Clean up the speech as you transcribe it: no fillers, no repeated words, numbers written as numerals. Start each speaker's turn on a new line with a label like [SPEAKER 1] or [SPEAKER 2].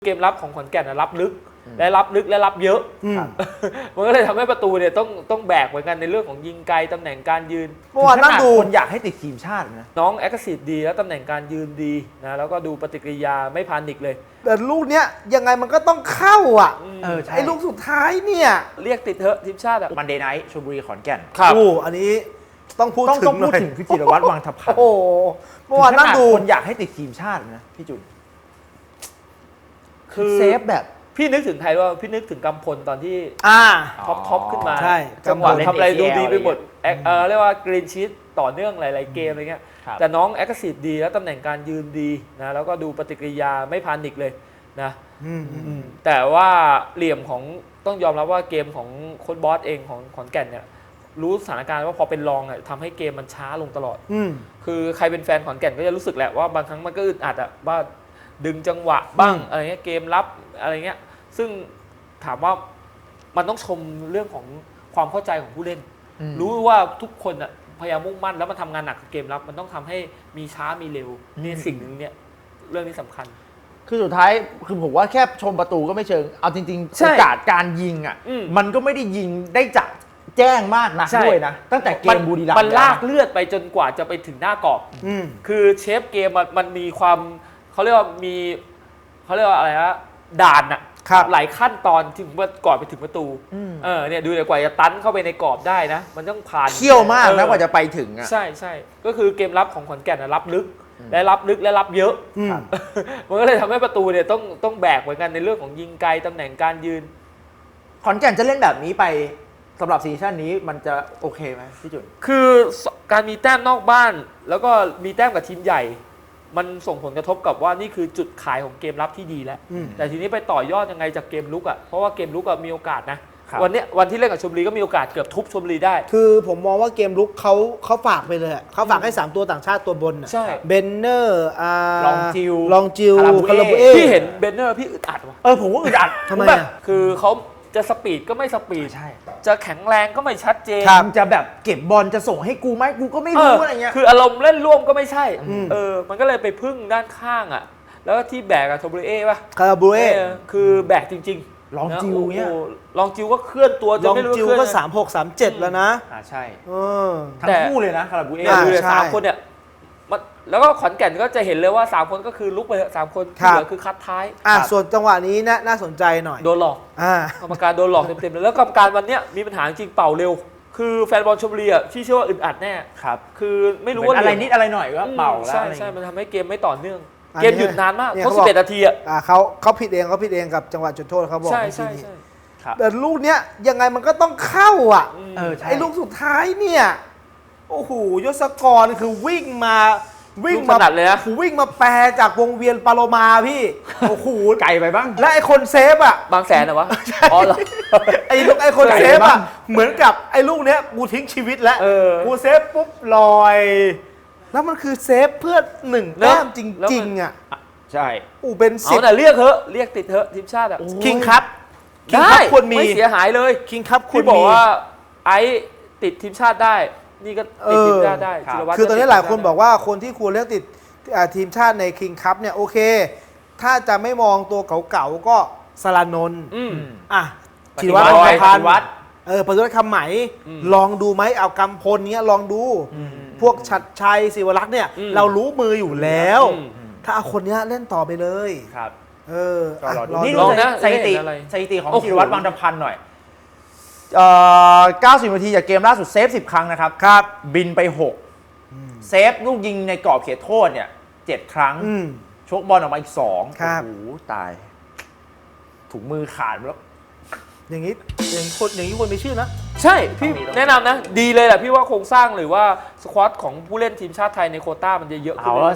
[SPEAKER 1] เกมรับของขอนแก่นนะรับลึกและรับเยอะมันก็เลยทำให้ประตูเนี่ยต้องแบกเหมือนกันในเรื่องของยิงไกลตำแหน่งการยืน
[SPEAKER 2] เมื่อวานนั่งดูคนอยากให้ติดทีมชาตินะ
[SPEAKER 1] น้องแอคทีฟดีแล้วตำแหน่งการยืนดีนะแล้วก็ดูปฏิกิริยาไม่พานิกเลย
[SPEAKER 3] แต่ลูกเนี้ยยังไงมันก็ต้องเข้าอ่ะ
[SPEAKER 2] ใช่
[SPEAKER 3] ไอ้ลูกสุดท้ายเนี่ย
[SPEAKER 1] เรียกติดเถอะทีมชาติอ่ะ
[SPEAKER 2] มันเดย์ไนท์ชลบุรีขอนแก่น
[SPEAKER 3] โอ้อันนี้ต้องพูดถึง
[SPEAKER 2] พี่จิรวัตรวังทัพพันธ์
[SPEAKER 3] โอ้เมื่อวานนั่งดู
[SPEAKER 2] คนอยากให้ติดทีมชาตินะพี่จุน
[SPEAKER 1] คือ
[SPEAKER 2] เซฟแบบ
[SPEAKER 1] พี่นึกถึงใครว่าพี่นึกถึงกำพลตอนที่ท็อปขึ้นมา
[SPEAKER 3] ใช่
[SPEAKER 1] จังหวะทำอะไรดูดีไปหมดเรียกว่ากรีนชีตต่อเนื่องหลายๆเกมอะไรเงี้ยแต่น้องแอคทีฟดีแล้วตำแหน่งการยืนดีนะแล้วก็ดูปฏิกิริยาไม่พานิกเลยนะแต่ว่าเหลี่ยมของต้องยอมรับว่าเกมของโค้ชบอสเองของขอนแก่นเนี่ยรู้สถานการณ์ว่าพอเป็นรองอ่ะทำให้เกมมันช้าลงตลอดคือใครเป็นแฟนขอนแก่นก็จะรู้สึกแหละว่าบางครั้งมันก็อึดอัดอ่ะว่าดึงจังหวะบ้างอะไรเงี้ยเกมรับอะไรเงี้ยซึ่งถามว่ามันต้องชมเรื่องของความเข้าใจของผู้เล่นรู้ว่าทุกคนอ่ะพยายามมุ่งมั่นแล้วมันทำงานหนักกับเกมรับมันต้องทำให้มีช้ามีเร็วนี่สิ่งหนึ่งเนี่ยเรื่องนี้สำคัญ
[SPEAKER 2] คือสุดท้ายคือผมว่าแค่ชมประตูก็ไม่เชิงเอาจริงๆโอกาสการยิงอ่ะมันก็ไม่ได้ยิงได้จัดแจ้งมากนะด้วยนะตั้งแต่เกมบุรีรัมย์
[SPEAKER 1] มันลากเลือดไปจนกว่าจะไปถึงหน้ากรอบคือเชฟเกมมันมีความเขาเรียกว่าอะไรฮะด่านอะหลายขั้นตอนถึงก่อนไปถึงประตูเนี่ยดูเลยกว่าจะตันเข้าไปในกรอบได้นะมันต้องผ่าน
[SPEAKER 2] เขี้ยวมากนะกว่าจะไปถึงอ่ะ
[SPEAKER 1] ใช่ก็คือเกมรับของขอนแก่นรับลึกและรับเยอะมันก็เลยทำให้ประตูเนี่ยต้องแบกเหมือนกันในเรื่องของยิงไกลตำแหน่งการยืน
[SPEAKER 2] ขอนแก่นจะเล่นแบบนี้ไปสำหรับซีซั่นนี้มันจะโอเคไหมพี่จุน
[SPEAKER 1] คือการมีแต้มนอกบ้านแล้วก็มีแต้มกับทีมใหญ่มันส่งผลกระทบกับว่านี่คือจุดขายของเกมรับที่ดีแล้วแต่ทีนี้ไปต่อยอดยังไงจากเกมลุกอ่ะเพราะว่าเกมลุกมีโอกาสนะวันที่เล่นกับชลบุรีก็มีโอกาสเกือบทุบชลบุรีได้
[SPEAKER 3] คือผมมองว่าเกมลุกเขาฝากไปเลยเขาฝากให้3ตัวต่างชาติตัวบน
[SPEAKER 1] ใช่
[SPEAKER 3] เบนเนอร์
[SPEAKER 2] ลองจิว
[SPEAKER 3] คาราบูเอ
[SPEAKER 1] พี่เห็นเบนเนอร์พี่อึดอัดว่ะ
[SPEAKER 2] ผมว่าอึดอัด
[SPEAKER 3] ทำไม
[SPEAKER 1] คือเขาจะสปีดก็ไม่สปีด
[SPEAKER 2] ใช่
[SPEAKER 1] จะแข็งแรงก็ไม่ชัดเจน
[SPEAKER 2] จะแบบเก็บบอลจะส่งให้กูไหมกูก็ไม่รู้อะไรเงี้ย
[SPEAKER 1] คืออารมณ์เล่นร่วมก็ไม่ใช่มันก็เลยไปพึ่งด้านข้างอ่ะแล้วที่แบกกับโทบริเอป่ะ
[SPEAKER 3] คาราบูเอ
[SPEAKER 1] คือแบกจริง
[SPEAKER 2] ๆลองจิวเนี่ย
[SPEAKER 1] ลองจิวก็เคลื่อนตัวจะไม่รู้
[SPEAKER 3] ลองจิวก็36-37แล้วนะ
[SPEAKER 2] ใช่ทั้งคู่เลยนะคาราบูเอ
[SPEAKER 1] เลย3คนเนี่ยแล้วก็ขอนแก่นก็จะเห็นเลยว่า3คนก็คือลุกไป3คนที่เหลือคือคัดท้าย
[SPEAKER 3] ส่วนจังหวะนี้น่าสนใจหน่อย
[SPEAKER 1] โดนหลอกกรรมการโดนหลอกเต็มๆเลยแล้วกรรมการวันนี้มีปัญหาจริงเป่าเร็วคือแฟนบอลชลบุรีที่เชื่อว่าอึดอัดแน่
[SPEAKER 2] ครับ
[SPEAKER 1] คือไม่รู้ว่า
[SPEAKER 2] อะไรนิดอะไรหน่อยก็เป่าแล้ว
[SPEAKER 1] ใช่มันทำให้เกมไม่ต่อเนื่องเกมหยุดนานมากเขา11 นาที
[SPEAKER 3] เขาผิดเองกับจังหวะจุดโทษเขาบอก
[SPEAKER 1] ใช่
[SPEAKER 3] แต่ลูกเนี้ยยังไงมันก็ต้องเข้าอ่ะไอ้ลูกสุดท้ายเนี่ยโอ้โหยศกรคือวิ่งมา
[SPEAKER 1] เลยนะ
[SPEAKER 3] วิ่งมาแปรจากวงเวียนปาโลมาพี่โอ้โห
[SPEAKER 2] ไกลไปบ้าง
[SPEAKER 3] และไอ้คนเซฟอ่ะ
[SPEAKER 1] บางแสนเหรอวะอ๋อเหรอ
[SPEAKER 3] ไอ้คนเซฟอ่ะเหมือนกับไอ้ลูกเนี้ยกูทิ้งชีวิตแล้วกูเซฟปุ๊บลอยแล้วมันคือเซฟเพื่อ1 แต้มจริงๆอ่ะ
[SPEAKER 2] ใช่
[SPEAKER 3] เป็น
[SPEAKER 1] 10แต่เรียกติดเถอะทีมชาติอ่ะ
[SPEAKER 3] คิงครับ
[SPEAKER 1] ควรมีไม่เสียหายเลย
[SPEAKER 3] คิงครับ
[SPEAKER 1] คุณบอกว่าไอ้ติดทีมชาติได้นี่ก็ติดทีมชาติได้
[SPEAKER 3] คือตอนนี้หลายคนบอกว่าคนที่ควรเลือกติดทีมชาติในคิงคัพเนี่ยโอเคถ้าจะไม่มองตัวเก่าๆก็สรานนท์ธีรวัตรพันธ์ปฏิวัติคำไหมลองดูไหมเอากำพลเนี้ยลองดูพวกชัดชัยศิวรักษ์เนี่ยเรารู้มืออยู่แล้วถ้าเอาคนนี้เล่นต่อไปเลย
[SPEAKER 2] ครับ
[SPEAKER 1] นี่ลองนะ
[SPEAKER 2] สถิติของธีรวัตรวังทัพพันธ์หน่อย90 นาทีจากเกมล่าสุดเซฟ10 ครั้งนะครับบินไป6เซฟลูกยิงในกรอบเขตโทษเนี่ย7 ครั้งชกบอลออกมาอีก2โอ้โหตายถุงมือขาดแล้ว
[SPEAKER 3] อย่างนี้คนมีชื่อนะ
[SPEAKER 1] ใช่พี่แนะนำนะดีเลยแหละพี่ว่าโครงสร้างหรือว่าสควอตของผู้เล่นทีมชาติไทยในโควต้ามันจะเยอะขึ้น